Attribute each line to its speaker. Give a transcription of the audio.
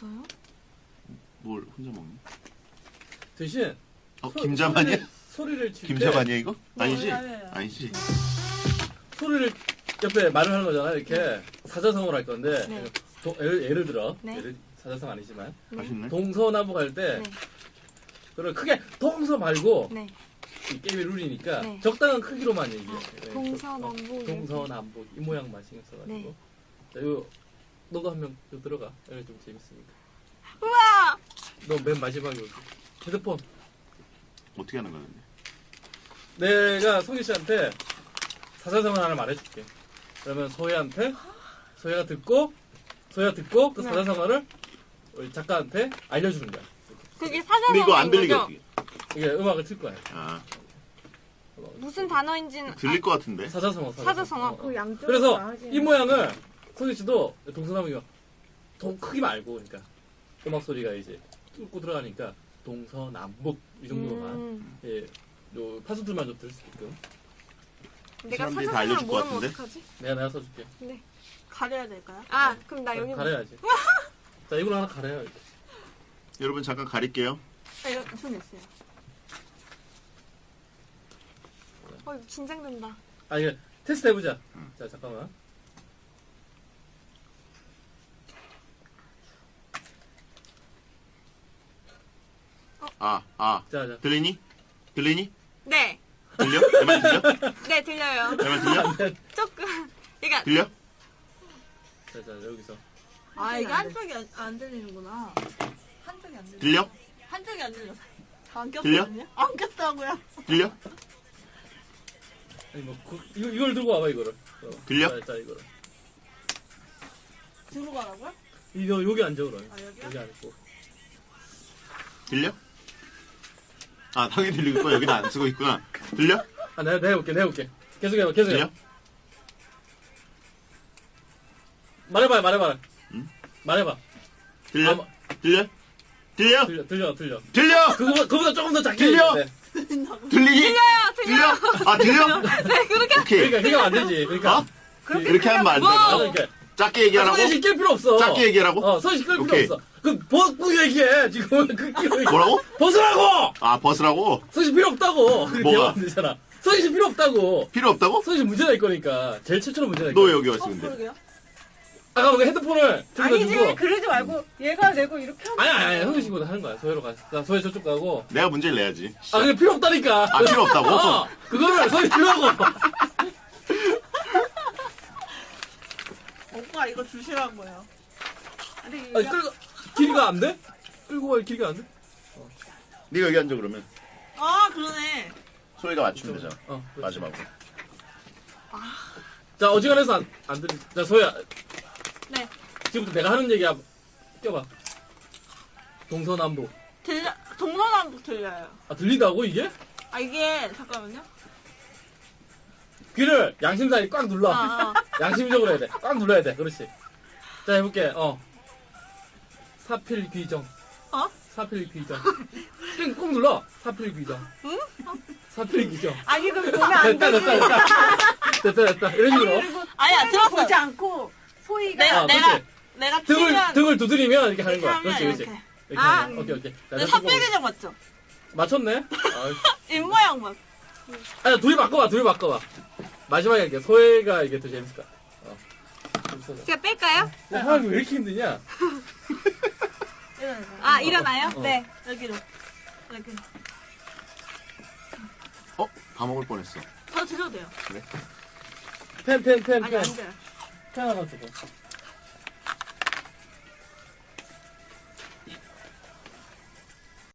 Speaker 1: 없어요?
Speaker 2: 뭘 혼자 먹니?
Speaker 3: 대신
Speaker 2: 김자반이야?
Speaker 3: 소리를 칠 때
Speaker 2: 김자반이야 이거?
Speaker 1: 네,
Speaker 2: 아니지?
Speaker 1: 맞아요.
Speaker 2: 아니지?
Speaker 3: 소리를 옆에 말을 하는 거잖아. 이렇게 사자성어를 할 건데
Speaker 1: 네.
Speaker 3: 예를 들어
Speaker 1: 네.
Speaker 3: 사자성 아니지만
Speaker 2: 맛있네.
Speaker 3: 동서남북 할 때
Speaker 1: 네.
Speaker 3: 그걸 크게 동서 말고
Speaker 1: 네.
Speaker 3: 이 게임의 룰이니까
Speaker 1: 네.
Speaker 3: 적당한 크기로만 얘기해. 네.
Speaker 1: 동서남북
Speaker 3: 동서남북 이 모양만 신경 써가지고.
Speaker 1: 네.
Speaker 3: 자, 요 너도 한 명 들어가. 여기 좀 재밌으니까.
Speaker 1: 우와!
Speaker 3: 너 맨 마지막에 오지. 핸드폰.
Speaker 2: 어떻게 하는 거야 근데?
Speaker 3: 내가 송희 씨한테 사자성어 하나 말해줄게. 그러면 소희가 듣고 그
Speaker 1: 네.
Speaker 3: 사자성어를 우리 작가한테 알려주는 거야.
Speaker 1: 그게
Speaker 2: 근데
Speaker 1: 사자성어인
Speaker 2: 이거 안 들리게
Speaker 1: 거죠?
Speaker 2: 어떻게?
Speaker 3: 이게 음악을 틀 거야.
Speaker 2: 아
Speaker 1: 무슨 단어인지는
Speaker 2: 들릴 것 같은데?
Speaker 3: 사자성어.
Speaker 1: 사자성어.
Speaker 4: 그 양쪽으로
Speaker 3: 그래서
Speaker 4: 나가지는
Speaker 3: 이 모양을 송희 씨도 동서남북이 크기만 알고, 그러니까 음악 소리가 이제 뚫고 들어가니까 동서남북 이 정도로만 예, 요 파수들만 좀 들을 수 있게끔
Speaker 1: 내가
Speaker 2: 사람들이 다
Speaker 1: 사자성어를
Speaker 2: 알려줄 것
Speaker 1: 모르면
Speaker 2: 같은데?
Speaker 1: 어떡하지?
Speaker 3: 내가 써줄게.
Speaker 4: 가려야 될까요?
Speaker 1: 아, 그럼 나 여기
Speaker 3: 가려야지. 자, 이걸로 하나 가려요. 이렇게.
Speaker 2: 여러분 잠깐 가릴게요.
Speaker 1: 이거 손 냈어요. 이거 긴장된다.
Speaker 3: 아, 이게 테스트 해보자. 자, 잠깐만. 자.
Speaker 2: 들리니? 들리니?
Speaker 1: 네.
Speaker 2: 들려? 내 말 들려?
Speaker 1: 네, 들려요.
Speaker 2: 내 말 들려?
Speaker 1: 조금. 그러니까
Speaker 2: 들려?
Speaker 3: 자, 여기서.
Speaker 4: 아 이게 한쪽이 안 들리는구나. 한쪽이 안 들려.
Speaker 2: 들려?
Speaker 4: 한쪽이 안 들려. 안
Speaker 2: 들려?
Speaker 4: 꼈거든요? 안 꼈다고요.
Speaker 2: 들려?
Speaker 3: 아니, 뭐, 이걸 들고 와봐, 이거를.
Speaker 2: 들려?
Speaker 3: 자, 이거를.
Speaker 4: 들고 가라고요?
Speaker 3: 이거, 여기 앉아, 그럼.
Speaker 4: 아, 여기요?
Speaker 3: 여기 앉고.
Speaker 2: 들려? 아 당연히 들리고 여기는 안 쓰고 있구나. 들려?
Speaker 3: 아, 내가 해볼게. 계속 해봐.
Speaker 2: 들려?
Speaker 3: 말해봐.
Speaker 2: 응?
Speaker 3: 말해봐.
Speaker 2: 들려?
Speaker 3: 아,
Speaker 2: 들려? 들려?
Speaker 3: 들려.
Speaker 2: 들려?
Speaker 3: 그거보다 조금 더 작게.
Speaker 2: 들려?
Speaker 3: 해야 돼.
Speaker 2: 들리니? 들려? 아 들려?
Speaker 1: 네, 그렇게
Speaker 2: 오케이.
Speaker 3: 그러니까 안 되지. 그러니까.
Speaker 2: 어? 그렇게 하면 안 돼.
Speaker 3: 아, 이렇게.
Speaker 2: 작게 얘기하라고?
Speaker 3: 손이 시킬 필요 없어.
Speaker 2: 작게 얘기하라고?
Speaker 3: 손이 시킬 필요
Speaker 2: 오케이.
Speaker 3: 없어. 벗고 얘기해. 지금
Speaker 2: 뭐라고?
Speaker 3: 벗으라고.
Speaker 2: 아 벗으라고?
Speaker 3: 손이 필요 없다고. 그렇게
Speaker 2: 뭐가?
Speaker 3: 하면 안 되잖아. 손이 필요 없다고.
Speaker 2: 필요 없다고?
Speaker 3: 손이 문제가 있 거니까. 제일 최초로 문제가 있
Speaker 2: 너
Speaker 3: 거니까.
Speaker 2: 여기 왔어 근데.
Speaker 4: 그러게요.
Speaker 3: 아까 뭔가 핸드폰을
Speaker 4: 아니지
Speaker 3: 들고.
Speaker 4: 그러지 말고 얘가 내고 이렇게 하면
Speaker 3: 아니 성희 씨보다 하는 거야. 소혜로 가. 자, 소혜 저쪽 가고.
Speaker 2: 내가 문제를 내야지.
Speaker 3: 아 그게 필요 없다니까.
Speaker 2: 아 필요 없다고?
Speaker 3: 그거를 소혜 들라고.
Speaker 4: 오빠 이거 주시라고요. 근데
Speaker 3: 아니
Speaker 4: 얘가
Speaker 3: 끌고 길이가 안 돼? 끌고 갈 길이가 안 돼?
Speaker 2: 네가 여기 앉아 그러면.
Speaker 4: 아 그러네.
Speaker 2: 소희가 맞추면 되잖아.
Speaker 3: 그렇지.
Speaker 2: 마지막으로.
Speaker 3: 자 어지간해서 안 들리. 자 소혜야.
Speaker 1: 네.
Speaker 3: 지금부터 내가 하는 얘기야. 껴봐. 동서남북.
Speaker 4: 동서남북 들려요.
Speaker 3: 아 들린다고 이게?
Speaker 4: 아 이게 잠깐만요.
Speaker 3: 귀를 양심상에 꽉 눌러.
Speaker 4: 아,
Speaker 3: 양심적으로 해야 돼. 꽉 눌러야 돼. 그렇지. 자 해볼게. 사필귀정. 사필귀정. 꼭 눌러. 사필귀정.
Speaker 4: 응?
Speaker 3: 사필귀정.
Speaker 4: 아니 그럼 보면 안
Speaker 3: 됐다.
Speaker 4: 되지.
Speaker 3: 됐다. 이런 식으로.
Speaker 4: 아니야 들었어.
Speaker 1: 보지
Speaker 4: 보지 않고 소희가
Speaker 1: 내가-
Speaker 3: 그렇지.
Speaker 4: 내가 치면
Speaker 3: 등을 두드리면 이렇게 하는 거야.
Speaker 4: 이렇게
Speaker 3: 그렇지,
Speaker 4: 하면
Speaker 3: 그렇지.
Speaker 4: 이렇게.
Speaker 3: 이렇게
Speaker 1: 아.
Speaker 3: 하면. 오케이. 자,
Speaker 4: 내
Speaker 3: 내
Speaker 4: 삽질개정 맞죠?
Speaker 3: 맞췄네?
Speaker 4: 입모양 맞.
Speaker 3: 아니, 둘이 바꿔봐. 마지막에 할게. 소혜가 이게 더 재밌을 거야.
Speaker 1: 제가 뺄까요?
Speaker 3: 사람이 왜 이렇게 힘드냐?
Speaker 1: 아, 일어나요?
Speaker 3: 어.
Speaker 1: 네.
Speaker 4: 여기로. 이렇게.
Speaker 2: 다 먹을 뻔했어.
Speaker 4: 더 드셔도 돼요.
Speaker 3: 펜.
Speaker 4: 아니 안 돼요.
Speaker 3: 펜 하나 주고.